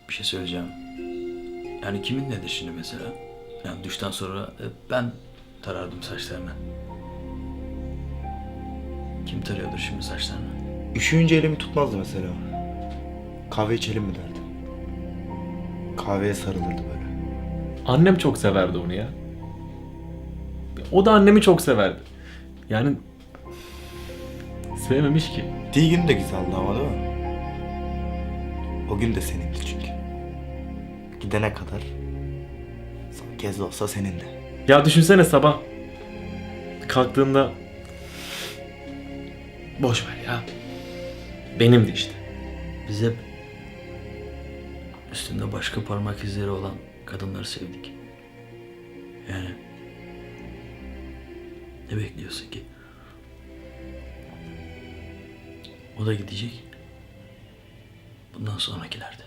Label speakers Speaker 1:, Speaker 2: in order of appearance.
Speaker 1: Bir şey söyleyeceğim. Yani kimin nedir şimdi mesela? Yani duştan sonra ben tarardım saçlarını. Kim tarıyordur şimdi saçlarını?
Speaker 2: Üşüyünce elimi tutmazdı mesela. Kahve içelim mi derdi. Kahveye sarılırdı böyle.
Speaker 3: Annem çok severdi onu ya. O da annemi çok severdi. Yani sevmemiş ki.
Speaker 2: Gittiği gün de güzeldi ama değil mi? O gün de senindi çünkü. Gidene kadar son kez de olsa senin de.
Speaker 3: Ya düşünsene sabah kalktığında boş ver ya. Benimdi işte.
Speaker 1: Biz hep üstünde başka parmak izleri olan kadınları sevdik. Yani ne bekliyorsun ki? O da gidecek. Bundan sonrakilerde.